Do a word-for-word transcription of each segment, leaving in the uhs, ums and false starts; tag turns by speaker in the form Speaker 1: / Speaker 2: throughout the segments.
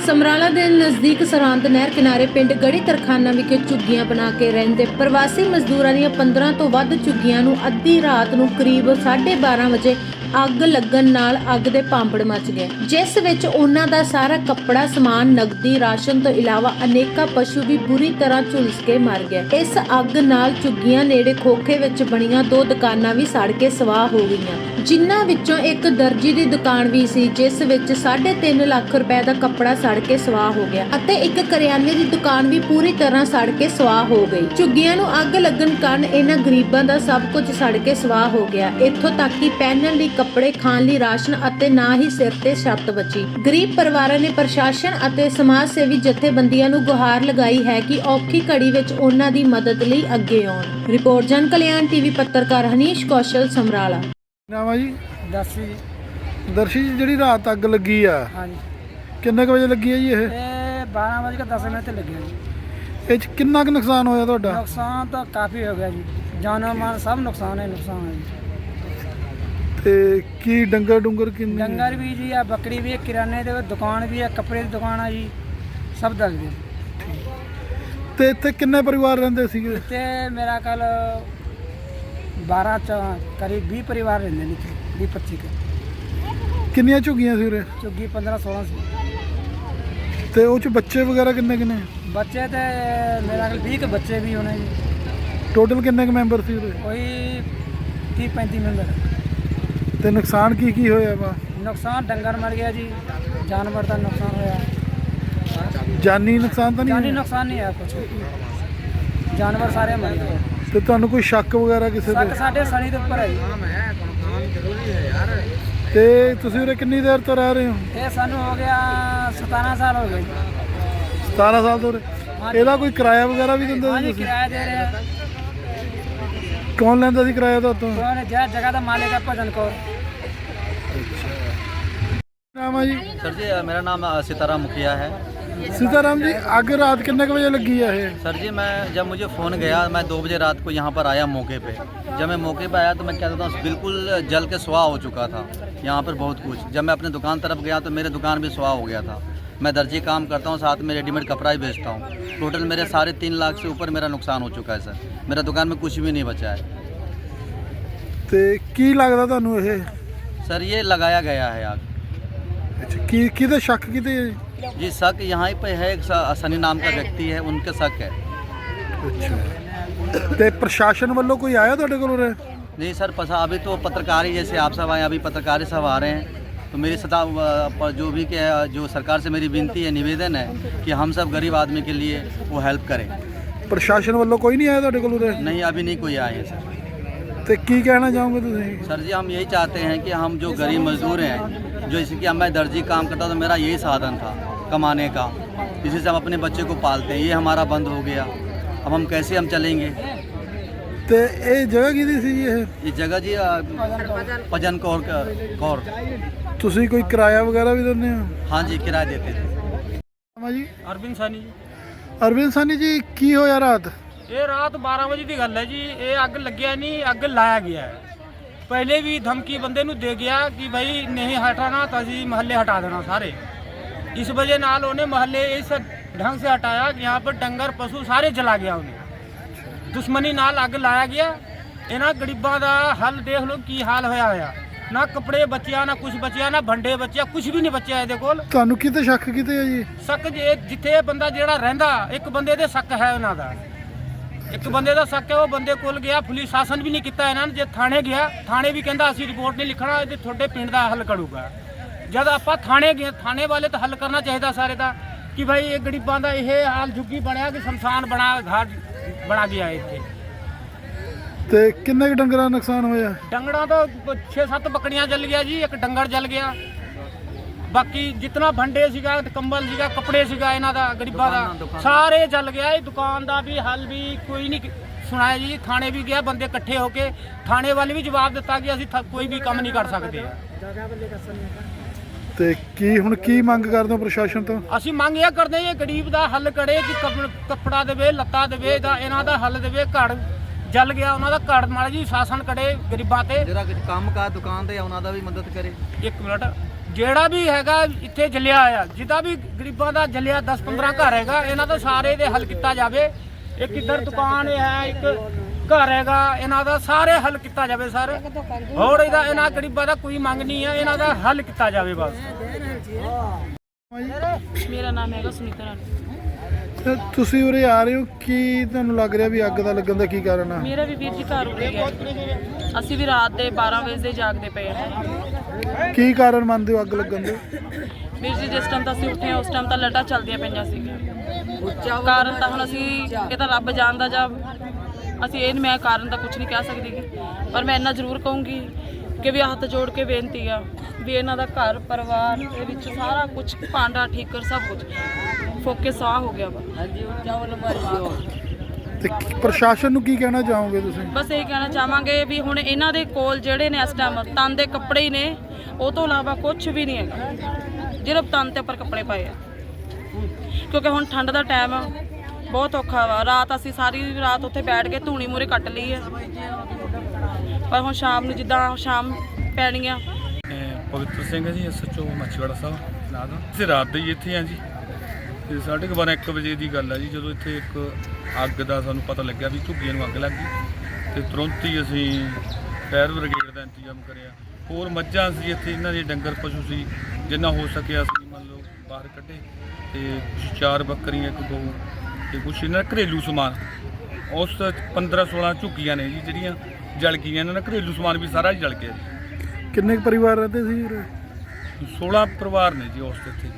Speaker 1: ਸਮਰਾਲਾ ਦੇ ਨਜ਼ਦੀਕ ਸਰਹੰਦ ਨਹਿਰ ਕਿਨਾਰੇ ਪਿੰਡ ਗੜੀ ਤਰਖਾਨਾ ਵਿਖੇ ਝੁੱਗੀਆਂ ਬਣਾ ਕੇ ਰਹਿੰਦੇ ਪ੍ਰਵਾਸੀ ਮਜ਼ਦੂਰਾਂ ਦੀਆਂ ਪੰਦਰਾਂ ਤੋਂ ਵੱਧ ਝੁੱਗੀਆਂ ਨੂੰ ਅੱਧੀ ਰਾਤ ਨੂੰ ਕਰੀਬ ਸਾਢੇ ਬਾਰਾਂ ਵਜੇ ਅੱਗ ਲੱਗਣ ਨਾਲ ਅੱਗ ਦੇ ਭਾਂਬੜ ਮਚ ਗਏ, ਜਿਸ ਵਿੱਚ ਉਹਨਾਂ ਦਾ ਸਾਰਾ ਕੱਪੜਾ, ਸਮਾਨ, ਨਗਦੀ, ਰਾਸ਼ਨ ਤੋਂ ਇਲਾਵਾ ਅਨੇਕਾਂ ਪਸ਼ੂ ਵੀ ਬੁਰੀ ਤਰ੍ਹਾਂ ਝੁਲਸ ਕੇ ਮਰ ਗਏ। ਇਸ ਅੱਗ ਨਾਲ ਝੁੱਗੀਆਂ ਨੇੜੇ ਖੋਖੇ ਵਿੱਚ ਬਣੀਆਂ ਦੋ ਦੁਕਾਨਾਂ ਵੀ ਸੜ ਕੇ ਸਵਾਹ ਹੋ ਗਈਆਂ, ਜਿਨ੍ਹਾਂ ਵਿੱਚੋਂ ਇੱਕ ਦਰਜੀ ਦੀ ਦੁਕਾਨ ਵੀ ਸੀ, ਜਿਸ ਵਿੱਚ ਸਾਢੇ ਤਿੰਨ ਲੱਖ ਰੁਪਏ ਦਾ ਕੱਪੜਾ ਸੜ ਕੇ ਸਵਾਹ ਹੋ ਗਿਆ ਅਤੇ ਇੱਕ ਕਰਿਆਨੇ ਦੀ ਦੁਕਾਨ ਵੀ ਪੂਰੀ ਤਰ੍ਹਾਂ ਸੜ ਕੇ ਸਵਾਹ ਹੋ ਗਈ। ਝੁੱਗੀਆਂ ਨੂੰ ਅੱਗ ਲੱਗਣ ਕਾਰਨ ਇਹਨਾਂ ਗਰੀਬਾਂ ਦਾ ਸਭ ਕੁਝ ਸੜ ਕੇ ਸਵਾਹ ਹੋ ਗਿਆ, ਇੱਥੋਂ ਤੱਕ ਕਿ ਪਹਿਨਣ ਲਈ ਕੱਪੜੇ, ਖਾਣ ਲਈ ਰਾਸ਼ਨ ਅਤੇ ਨਾ ਹੀ ਸਿਰ ਤੇ ਛੱਤ ਬਚੀ। ਗਰੀਬ ਪਰਿਵਾਰਾਂ ਨੇ ਪ੍ਰਸ਼ਾਸਨ ਅਤੇ ਸਮਾਜ ਸੇਵੀ ਜਥੇਬੰਦੀਆਂ ਨੂੰ ਗੁਹਾਰ ਲਗਾਈ ਹੈ ਕਿ ਔਖੀ ਘੜੀ ਵਿੱਚ ਉਹਨਾਂ ਦੀ ਮਦਦ ਲਈ ਅੱਗੇ ਆਉਣ। ਰਿਪੋਰਟ ਜਨ ਕਲਿਆਣ ਟੀਵੀ ਪੱਤਰਕਾਰ ਹਨੀਸ਼ ਕੌਸ਼ਲ, ਸਮਰਾਲਾ।
Speaker 2: ਨਾਮ ਜੀ
Speaker 3: ਦਰਸ਼ੀ
Speaker 2: ਦਰਸ਼ੀ ਜੀ, ਜਿਹੜੀ ਰਾਤ ਅੱਗ ਲੱਗੀ ਆ,
Speaker 3: ਹਾਂਜੀ,
Speaker 2: ਕਿੰਨੇ ਕੁ ਵਜੇ ਲੱਗੀ ਹੈ ਜੀ? ਇਹ
Speaker 3: ਇਹ ਬਾਰਾਂ ਵਜੇ ਕੇ ਦਸ ਮਿੰਟ ਤੇ ਲੱਗਿਆ ਜੀ।
Speaker 2: ਇਹ 'ਚ ਕਿੰਨਾ ਕੁ ਨੁਕਸਾਨ ਹੋਇਆ ਤੁਹਾਡਾ?
Speaker 3: ਨੁਕਸਾਨ ਤਾਂ ਕਾਫੀ ਹੋ ਗਿਆ ਜੀ, ਜਾਨੋ ਮਾਲ ਸਭ ਨੁਕਸਾਨ ਹੈ ਨੁਕਸਾਨ ਹੈ ਜੀ।
Speaker 2: ਤੇ ਕੀ ਡੰਗਰ ਡੁੰਗਰ ਕਿੰਨੇ?
Speaker 3: ਡੰਗਰ ਵੀ ਜੀ ਆ, ਬੱਕਰੀ ਵੀ ਹੈ, ਕਿਰਾਨੇ ਦੀ ਦੁਕਾਨ ਵੀ ਹੈ, ਕੱਪੜੇ ਦੀ ਦੁਕਾਨ ਆ ਜੀ, ਸਭ ਦੱਸ ਦਿਓ।
Speaker 2: ਤੇ ਇੱਥੇ ਕਿੰਨੇ ਪਰਿਵਾਰ ਰਹਿੰਦੇ ਸੀਗੇ?
Speaker 3: ਤੇ ਮੇਰਾ ਕੱਲ ਬਾਰਾਂ ਚ ਕਰੀਬ ਵੀਹ ਪਰਿਵਾਰ ਰਹਿੰਦੇ ਨੇ ਇੱਥੇ, ਵੀਹ ਪੱਚੀ ਕੇ।
Speaker 2: ਕਿੰਨੀਆਂ ਝੁੱਗੀਆਂ ਸੀ ਉਰੇ?
Speaker 3: ਝੁੱਗੀ ਪੰਦਰਾਂ ਸੋਲਾਂ ਸੀ।
Speaker 2: ਤੇ ਉਹ 'ਚ ਬੱਚੇ ਵਗੈਰਾ ਕਿੰਨੇ ਕਿੰਨੇ?
Speaker 3: ਬੱਚੇ ਤੇ ਮੇਰਾ ਕੱਲ ਵੀਹ ਕੇ ਬੱਚੇ ਵੀ ਹੋਣੇ ਜੀ।
Speaker 2: ਟੋਟਲ ਕਿੰਨੇ ਕੁ ਮੈਂਬਰ ਸੀ ਉਰੇ?
Speaker 3: ਕੋਈ ਤੀਹ ਪੈਂਤੀ ਮੈਂਬਰ।
Speaker 2: ਤੇ ਨੁਕਸਾਨ ਕੀ ਕੀ ਹੋਇਆ ਵਾ?
Speaker 3: ਨੁਕਸਾਨ ਡੰਗਰ ਮਰ ਗਿਆ ਜੀ, ਜਾਨਵਰ ਦਾ ਨੁਕਸਾਨ ਹੋਇਆ।
Speaker 2: ਜਾਨੀ ਨੁਕਸਾਨ ਤਾਂ ਨਹੀਂ
Speaker 3: ਜਾਨੀ
Speaker 2: ਹੋਇਆ?
Speaker 3: ਨੁਕਸਾਨ ਨਹੀਂ ਹੈ ਕੁਛ, ਜਾਨਵਰ ਸਾਰੇ ਮਰ ਗਏ।
Speaker 2: ਤੇ ਤੁਹਾਨੂੰ ਕੋਈ ਸ਼ੱਕ ਵਗੈਰਾ ਕਿਸੇ
Speaker 3: ਸੱਕ
Speaker 2: ਤੇ?
Speaker 3: ਸਾਡੇ ਸਣੀ ਦੇ ਉੱਪਰ ਹੈ ਜੀ।
Speaker 2: ਤੇ ਤੁਸੀਂ ਉਰੇ ਕਿੰਨੀ ਦੇਰ ਤੋਂ ਰਹਿ ਰਹੇ ਹੋ?
Speaker 3: ਇਹ ਸਾਨੂੰ ਹੋ ਗਿਆ ਸਤਾਰਾਂ ਸਾਲ ਹੋ ਗਏ।
Speaker 2: ਸਤਾਰਾਂ ਸਾਲ ਤੋਂ ਉਰੇ। ਇਹਦਾ ਕੋਈ ਕਿਰਾਇਆ ਵਗੈਰਾ ਵੀ ਦਿੰਦੇ ਸੀ
Speaker 3: ਹਾਂਜੀ,
Speaker 2: ਤੁਸੀਂ?
Speaker 3: ਕਿਰਾਇਆ ਦੇ ਰਹੇ ਆ।
Speaker 2: ਕੌਣ ਲੈਂਦਾ ਸੀ ਕਿਰਾਇਆ ਤੁਹਾਤੋਂ?
Speaker 3: ਕੌਣ ਜਿਹੜਾ ਜਗ੍ਹਾ ਦਾ ਮਾलिक है भजन कौर।
Speaker 2: ਨਾਮ ਆ ਜੀ?
Speaker 4: सर जी मेरा नाम सीताराम मुखिया है।
Speaker 2: सीताराम जी, ਅੱਗ ਰਾਤ ਕਿੰਨੇ ਕੁ ਵਜੇ ਲੱਗੀ ਆ ਇਹ?
Speaker 4: सर जी मैं जब मुझे फ़ोन गया, मैं दो बजे रात को यहाँ पर आया मौके पे। जब मैं मौके पे आया तो मैं क्या कहता हूँ, बिल्कुल जल के सुहा हो चुका था यहाँ पर बहुत कुछ। जब मैं अपने दुकान तरफ गया तो मेरे दुकान भी सुहा हो गया था। मैं दर्जी काम करता हूँ, साथ में रेडीमेड कपड़ा ही बेचता हूँ। टोटल मेरे साढ़े तीन लाख से ऊपर मेरा नुकसान हो चुका है सर। मेरा दुकान में कुछ भी नहीं बचा है।
Speaker 2: ਤੇ ਕੀ ਲੱਗਦਾ ਤੁਹਾਨੂੰ ਇਹ?
Speaker 4: सर ये लगाया गया है आग।
Speaker 2: ਅੱਛਾ, ਕੀ ਕਿਹਦੇ ਸ਼ੱਕ ਕਿਤੇ?
Speaker 4: जी शक यहाँ पे है, एक स- सनी नाम का व्यक्ति है, उनके शक है।
Speaker 2: ਅੱਛਾ, ਤੇ ਪ੍ਰਸ਼ਾਸਨ ਵੱਲੋਂ ਕੋਈ ਆਇਆ ਤੁਹਾਡੇ ਕੋਲ ਉਰੇ?
Speaker 4: नहीं सर, पसा अभी तो पत्रकार ही, जैसे आप सब आए, अभी पत्रकार ही सब आ रहे हैं। तो मेरी सदा पर जो भी के जो सरकार से मेरी विनती है, निवेदन है कि हम सब गरीब आदमी के लिए वो हेल्प करें।
Speaker 2: ਪ੍ਰਸ਼ਾਸਨ ਵੱਲੋਂ ਕੋਈ ਨਹੀਂ ਆਇਆ ਤੁਹਾਡੇ ਕੋਲ ਉਰੇ?
Speaker 4: नहीं अभी नहीं कोई आए हैं सर।
Speaker 2: ਤੇ ਕੀ ਕਹਿਣਾ ਚਾਹੋਗੇ ਤੁਸੀਂ?
Speaker 4: सर जी हम यही चाहते हैं कि हम जो गरीब मजदूर हैं, जो जैसे कि मैं दर्जी काम करता तो मेरा यही साधन था कमाने का, इसी से हम अपने बच्चे को पालते हैं। ये हमारा बंद हो गया, अब हम कैसे हम चलेंगे?
Speaker 2: ਤੇ ਇਹ ਜਗ੍ਹਾ ਕਿਹਦੀ ਸੀ ਇਹ?
Speaker 4: ये जगह जी अ, भजन कौर का- कौर।
Speaker 2: ਤੁਸੀਂ ਕੋਈ ਕਿਰਾਇਆ ਵਗੈਰਾ ਵੀ ਦਿੰਦੇ ਹੋ?
Speaker 4: हाँ जी किराया देते थे।
Speaker 2: ਹਾਂ ਜੀ,
Speaker 3: ਅਰਵਿੰਦ ਸਾਨੀ ਜੀ।
Speaker 2: ਅਰਵਿੰਦ ਸਾਨੀ ਜੀ, ਕੀ ਹੋਇਆ ਰਾਤ?
Speaker 3: ਇਹ ਰਾਤ ਬਾਰਾਂ ਵਜੇ ਦੀ ਗੱਲ ਹੈ ਜੀ। ਇਹ ਅੱਗ ਲੱਗਿਆ ਨਹੀਂ, ਅੱਗ ਲਾਇਆ ਗਿਆ ਹੈ। ਪਹਿਲੇ ਵੀ ਧਮਕੀ ਬੰਦੇ ਨੂੰ ਦੇ ਗਿਆ ਕਿ ਭਾਈ ਨਹੀਂ ਹਟਾਣਾ ਤਾਂ ਅਸੀਂ ਮਹੱਲੇ ਹਟਾ ਦੇਣਾ ਸਾਰੇ। ਇਸ ਵਜ੍ਹਾ ਨਾਲ ਉਹਨੇ ਮਹੱਲੇ ਇਸ ਢੰਗ ਸੇ ਹਟਾਇਆ ਕਿ यहाँ पर ਡੰਗਰ ਪਸ਼ੂ ਸਾਰੇ ਜਲਾ ਗਿਆ। ਉਹਨੇ ਦੁਸ਼ਮਣੀ ਨਾਲ ਅੱਗ ਲਾਇਆ ਗਿਆ। ਇਹਨਾਂ ਗਰੀਬਾਂ ਦਾ ਹੱਲ ਦੇਖ ਲਓ ਕੀ ਹਾਲ ਹੋਇਆ ਹੋਇਆ। ਨਾ ਕੱਪੜੇ ਬਚਿਆ, ਨਾ ਕੁਝ ਬਚਿਆ, ਨਾ ਭੰਡੇ ਬਚਿਆ, ਕੁਝ ਵੀ ਨਹੀਂ ਬਚਿਆ ਇਹਦੇ ਕੋਲ।
Speaker 2: ਤੁਹਾਨੂੰ ਕਿਤੇ ਸ਼ੱਕ ਕਿਤੇ ਹੈ ਜੀ?
Speaker 3: ਸ਼ੱਕ ਜੇ ਜਿੱਥੇ ਇਹ ਬੰਦਾ ਜਿਹੜਾ ਰਹਿੰਦਾ, ਇੱਕ ਬੰਦੇ ਦੇ ਸ਼ੱਕ ਹੈ ਉਹਨਾਂ ਦਾ, ਇੱਕ ਬੰਦੇ ਦਾ ਸ਼ੱਕ ਹੈ। ਉਹ ਬੰਦੇ ਕੋਲ ਗਿਆ, ਪੁਲਿਸ ਸ਼ਾਸਨ ਵੀ ਨਹੀਂ ਕੀਤਾ ਇਹਨਾਂ ਨੇ। ਜੇ ਥਾਣੇ ਗਿਆ, ਥਾਣੇ ਵੀ ਕਹਿੰਦਾ ਅਸੀਂ ਰਿਪੋਰਟ ਨਹੀਂ ਲਿਖਣਾ, ਇਹ ਤੁਹਾਡੇ ਪਿੰਡ ਦਾ ਹੱਲ ਕਰੂਗਾ। ਜਦ ਆਪਾਂ ਥਾਣੇ ਗਏ, ਥਾਣੇ ਵਾਲੇ ਤਾਂ ਹੱਲ ਕਰਨਾ ਚਾਹੀਦਾ ਸਾਰੇ ਦਾ ਕਿ ਭਾਈ ਇਹ ਗਰੀਬਾਂ ਦਾ ਇਹ ਹਾਲ ਝੁੱਗੀ ਬਣਿਆ ਕਿ ਸ਼ਮਸ਼ਾਨ ਬਣਾ ਘਾਟ ਬਣਾ ਗਿਆ ਇੱਥੇ।
Speaker 2: ਤੇ ਕਿੰਨੇ ਕੁ ਡੰਗਰਾਂ ਦਾ ਨੁਕਸਾਨ ਹੋਇਆ?
Speaker 3: ਡੰਗਰਾਂ ਤੋਂ ਛੇ ਸੱਤ ਬੱਕੜੀਆਂ ਜਲ ਗਿਆ ਜੀ, ਇੱਕ ਡੰਗਰ ਜਲ ਗਿਆ। ਬਾਕੀ ਜਿਤਨਾ ਭੰਡੇ ਸੀਗਾ, ਕੰਬਲ ਸੀਗਾ, ਕੱਪੜੇ ਸੀਗਾ ਇਹਨਾਂ ਦਾ, ਗਰੀਬਾਂ ਦਾ ਸਾਰੇ ਜਲ ਗਿਆ। ਇਹ ਦੁਕਾਨ ਦਾ ਵੀ ਹੱਲ ਵੀ ਕੋਈ ਨਹੀਂ ਸੁਣਾਇਆ ਜੀ। ਥਾਣੇ ਵੀ ਗਿਆ, ਬੰਦੇ ਇਕੱਠੇ ਹੋ ਕੇ ਥਾਣੇ ਵਾਲੇ ਵੀ ਜਵਾਬ ਦਿੱਤਾ ਕਿ ਅਸੀਂ ਕੋਈ ਵੀ ਕੰਮ ਨਹੀਂ ਕਰ ਸਕਦੇ।
Speaker 2: ਤੇ ਕੀ ਹੁਣ ਕੀ ਮੰਗ ਕਰਦੇ ਹੋ ਪ੍ਰਸ਼ਾਸਨ ਤੋਂ?
Speaker 3: ਅਸੀਂ ਮੰਗ ਇਹ ਕਰਦੇ ਹਾਂ, ਇਹ ਗਰੀਬ ਦਾ ਹੱਲ ਕਰੇ ਕਿ ਕੱਪੜਾ ਦੇਵੇ, ਲੱਤਾ ਦੇਵੇ, ਦਾ ਇਹਨਾਂ ਦਾ ਹੱਲ ਦੇਵੇ। ਘਰ ਜਲ ਗਿਆ ਉਹਨਾਂ ਦਾ, ਘਰ ਮਾੜਾ ਜੀ ਸ਼ਾਸਨ ਕਰੇ ਗਰੀਬਾਂ ਤੇ।
Speaker 4: जरा काम का दुकान दे, उन्होंने भी मदद करे।
Speaker 3: ਇੱਕ ਮਿੰਟ ਜਿਹੜਾ ਵੀ ਹੈਗਾ ਇੱਥੇ ਜਲਿਆ ਆ, ਜਿਹਦਾ ਵੀ ਗਰੀਬਾਂ ਦਾ ਜਲਿਆ ਦਸ ਪੰਦਰਾਂ ਘਰ ਹੈਗਾ, ਇਹਨਾਂ ਦਾ ਸਾਰੇ ਦੇ ਹੱਲ ਕੀਤਾ ਜਾਵੇ। ਇੱਕ ਇੱਧਰ ਦੁਕਾਨ ਹੈ, ਇੱਕ ਘਰ ਹੈਗਾ, ਇਹਨਾਂ ਦਾ ਸਾਰੇ ਹੱਲ ਕੀਤਾ ਜਾਵੇ ਸਰ। ਹੋਰ ਇਹਦਾ ਇਹਨਾਂ ਗਰੀਬਾਂ ਦਾ ਕੋਈ ਮੰਗ ਨਹੀਂ ਹੈ, ਇਹਨਾਂ ਦਾ ਹੱਲ ਕੀਤਾ ਜਾਵੇ ਬਸ।
Speaker 5: ਮੇਰਾ ਨਾਮ ਹੈਗਾ ਸੁਨੀਤਾ ਰਾਣੀ।
Speaker 2: ਤੇ ਤੁਸੀਂ ਉਰੇ ਆ ਰਹੇ ਹੋ, ਕੀ ਤੁਹਾਨੂੰ ਲੱਗ ਰਿਹਾ ਵੀ ਅੱਗ ਦਾ ਲੱਗਣ ਦਾ ਕੀ ਕਾਰਨ ਆ?
Speaker 5: ਮੇਰਾ ਵੀ ਵੀਰ ਜੀ ਘਰ ਉੱਡ ਗਿਆ। ਅਸੀਂ ਵੀ ਰਾਤ ਦੇ ਬਾਰਾਂ ਵਜੇ ਦੇ ਜਾਗਦੇ ਪਏ ਹਾਂ।
Speaker 2: ਕੀ ਕਾਰਨ ਮੰਨਦੇ ਹੋ ਅੱਗ ਲੱਗਣ ਦੇ?
Speaker 5: ਵੀਰ ਜੀ ਜਿਸ ਟਾਈਮ ਤਾਂ ਅਸੀਂ ਉੱਠੇ ਉਸ ਟਾਈਮ ਤਾਂ ਲੱਟਾਂ ਚੱਲਦੀਆਂ ਪਈਆਂ ਸੀਗੀਆਂ। ਕਾਰਨ ਤਾਂ ਹੁਣ ਅਸੀਂ ਇਹ ਤਾਂ ਰੱਬ ਜਾਣਦਾ, ਜਾਂ ਅਸੀਂ ਇਹ ਮੈਂ ਕਾਰਨ ਤਾਂ ਕੁਝ ਨਹੀਂ ਕਹਿ ਸਕਦੀ ਗੀ, ਪਰ ਮੈਂ ਇੰਨਾ ਜ਼ਰੂਰ ਕਹੂੰਗੀ ਕਿ ਵੀ ਹੱਥ ਜੋੜ ਕੇ ਬੇਨਤੀ ਆ ਵੀ ਇਹਨਾਂ ਦਾ ਘਰ ਪਰਿਵਾਰ ਦੇ ਵਿੱਚ ਸਾਰਾ ਕੁਝ ਭਾਂਡਾ ਠੀਕਰ ਸਭ ਕੁਝ ਫੋਕੇ ਸਾਹ ਹੋ ਗਿਆ ਵਾ।
Speaker 2: ਤੇ ਪ੍ਰਸ਼ਾਸਨ ਨੂੰ ਕੀ ਕਹਿਣਾ ਚਾਹੋਗੇ ਤੁਸੀਂ?
Speaker 5: ਬਸ ਇਹ ਕਹਿਣਾ ਚਾਹਾਂਗੇ ਵੀ ਹੁਣ ਇਹਨਾਂ ਦੇ ਕੋਲ ਜਿਹੜੇ ਨੇ ਇਸ ਟਾਈਮ ਤਨ ਦੇ ਕੱਪੜੇ ਹੀ ਨੇ, ਉਹ ਤੋਂ ਇਲਾਵਾ ਕੁਝ ਵੀ ਨਹੀਂ ਹੈਗਾ ਜਿਹੜੇ ਤਨ ਤੇ ਉੱਪਰ ਕੱਪੜੇ ਪਾਏ ਆ, ਕਿਉਂਕਿ ਹੁਣ ਠੰਡ ਦਾ ਟਾਈਮ ਆ, ਬਹੁਤ ਔਖਾ ਵਾ। ਰਾਤ ਅਸੀਂ ਸਾਰੀ ਰਾਤ ਉੱਥੇ ਬੈਠ ਕੇ ਧੂਣੀ ਮੂਰੇ ਕੱਟ ਲਈ ਹੈ, ਪਰ ਹੁਣ ਸ਼ਾਮ ਨੂੰ ਜਿੱਦਾਂ ਸ਼ਾਮ ਪੈਣੀ ਆ।
Speaker 6: ਪਵਿੱਤਰ ਸਿੰਘ ਹੈ ji, S H O Machhiwara Sahib ਨਾਂ ਦਾ। ਅਸੀਂ ਰਾਤ ਦੇ ਹੀ ਇੱਥੇ ਹਾਂ ਜੀ, ਤੇ ਸਾਢੇ ਕੁ ਬਾਰਾਂ ਇੱਕ ਵਜੇ ਦੀ ਗੱਲ ਹੈ ਜੀ, ਜਦੋਂ ਇੱਥੇ ਇੱਕ ਅੱਗ ਦਾ ਸਾਨੂੰ ਪਤਾ ਲੱਗਿਆ ਵੀ ਝੁੱਗੀਆਂ ਨੂੰ ਅੱਗ ਲੱਗ ਗਈ, ਤੇ ਤੁਰੰਤ ਹੀ ਅਸੀਂ ਫਾਇਰ ਬ੍ਰਿਗੇਡ ਦਾ ਇੰਤਜ਼ਾਮ ਕਰਿਆ। ਹੋਰ ਮੱਝਾਂ ਸੀ ਇੱਥੇ, ਇਹਨਾਂ ਦੇ ਡੰਗਰ ਪਸ਼ੂ ਸੀ, ਜਿੰਨਾ ਹੋ ਸਕਿਆ ਅਸੀਂ ਮੰਨ ਲਓ ਬਾਹਰ ਕੱਢੇ, ਤੇ ਕੁਛ ਚਾਰ ਬੱਕਰੀਆਂ, ਇੱਕ ਗਊ, ਤੇ ਕੁਛ ਇਹਨਾਂ ਦਾ ਘਰੇਲੂ ਸਮਾਨ। ਉਸ ਪੰਦਰਾਂ ਸੋਲਾਂ ਝੁੱਗੀਆਂ ਨੇ ਜੀ ਜਿਹੜੀਆਂ ਜਲ ਗਈਆਂ, ਇਹਨਾਂ ਦਾ ਘਰੇਲੂ ਸਮਾਨ ਵੀ ਸਾਰਾ ਜਲ ਗਿਆ ਜੀ।
Speaker 2: ਕਿੰਨੇ ਕੁ ਪਰਿਵਾਰ ਰਹਿੰਦੇ ਸੀ ਉਰੇ?
Speaker 6: ਸੋਲਾਂ ਪਰਿਵਾਰ ਨੇ ਜੀ ਉਸ ਤੇ ਇੱਥੇ।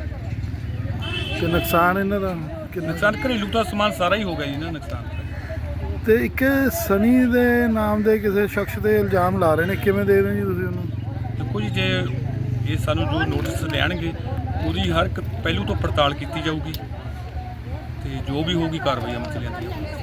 Speaker 2: ਤੇ ਨੁਕਸਾਨ ਇਹਨਾਂ ਦਾ ਕਿੰਨਾ?
Speaker 6: ਨੁਕਸਾਨ ਘਰੇਲੂ ਦਾ ਸਮਾਨ ਸਾਰਾ ਹੀ ਹੋ ਗਿਆ ਜੀ ਨਾ ਨੁਕਸਾਨ।
Speaker 2: ਤੇ ਇੱਕ ਸਨੀ ਦੇ ਨਾਮ ਦੇ ਕਿਸੇ ਸ਼ਖਸ ਦੇ ਇਲਜ਼ਾਮ ਲਾ ਰਹੇ ਨੇ, ਕਿਵੇਂ ਦੇ ਰਹੇ ਜੀ ਤੁਸੀਂ ਉਹਨੂੰ?
Speaker 6: ਦੇਖੋ ਜੀ, ਜੇ ਇਹ ਸਾਨੂੰ ਜੋ ਨੋਟਿਸ ਦੇਣਗੇ ਉਹਦੀ ਹਰ ਇੱਕ ਪਹਿਲੂ ਤੋਂ ਪੜਤਾਲ ਕੀਤੀ ਜਾਊਗੀ, ਤੇ ਜੋ ਵੀ ਹੋਊਗੀ ਕਾਰਵਾਈ ਅਮਲ ਚ ਲਿਆਂਦੀ ਜਾਊਗੀ।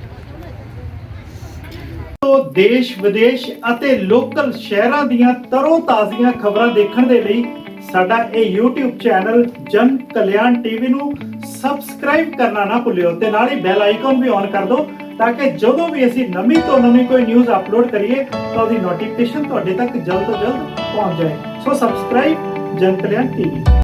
Speaker 7: ਤੋਂ ਦੇਸ਼ ਵਿਦੇਸ਼ ਅਤੇ ਲੋਕਲ ਸ਼ਹਿਰਾਂ ਦੀਆਂ ਤਰੋ ਤਾਜ਼ੀਆਂ ਖਬਰਾਂ ਦੇਖਣ ਦੇ ਲਈ ਸਾਡਾ ਇਹ YouTube ਚੈਨਲ ਜਨ ਕਲਿਆਣ ਟੀਵੀ ਨੂੰ ਸਬਸਕ੍ਰਾਈਬ ਕਰਨਾ ਨਾ ਭੁੱਲਿਓ, ਤੇ ਨਾਲ ਹੀ ਬੈਲ ਆਈਕਨ ਵੀ ਔਨ ਕਰ ਦਿਓ, ਤਾਂ ਕਿ ਜਦੋਂ ਵੀ ਅਸੀਂ ਨਵੀਂ ਤੋਂ ਨਵੀਂ ਕੋਈ ਨਿਊਜ਼ ਅਪਲੋਡ ਕਰੀਏ ਤਾਂ ਉਹਦੀ ਨੋਟੀਫਿਕੇਸ਼ਨ ਤੁਹਾਡੇ ਤੱਕ ਜਲਦ ਤੋਂ ਜਲਦ ਪਹੁੰਚ ਜਾਏ। ਸੋ ਸਬਸਕ੍ਰਾਈਬ ਜਨ ਕਲਿਆਣ ਟੀਵੀ।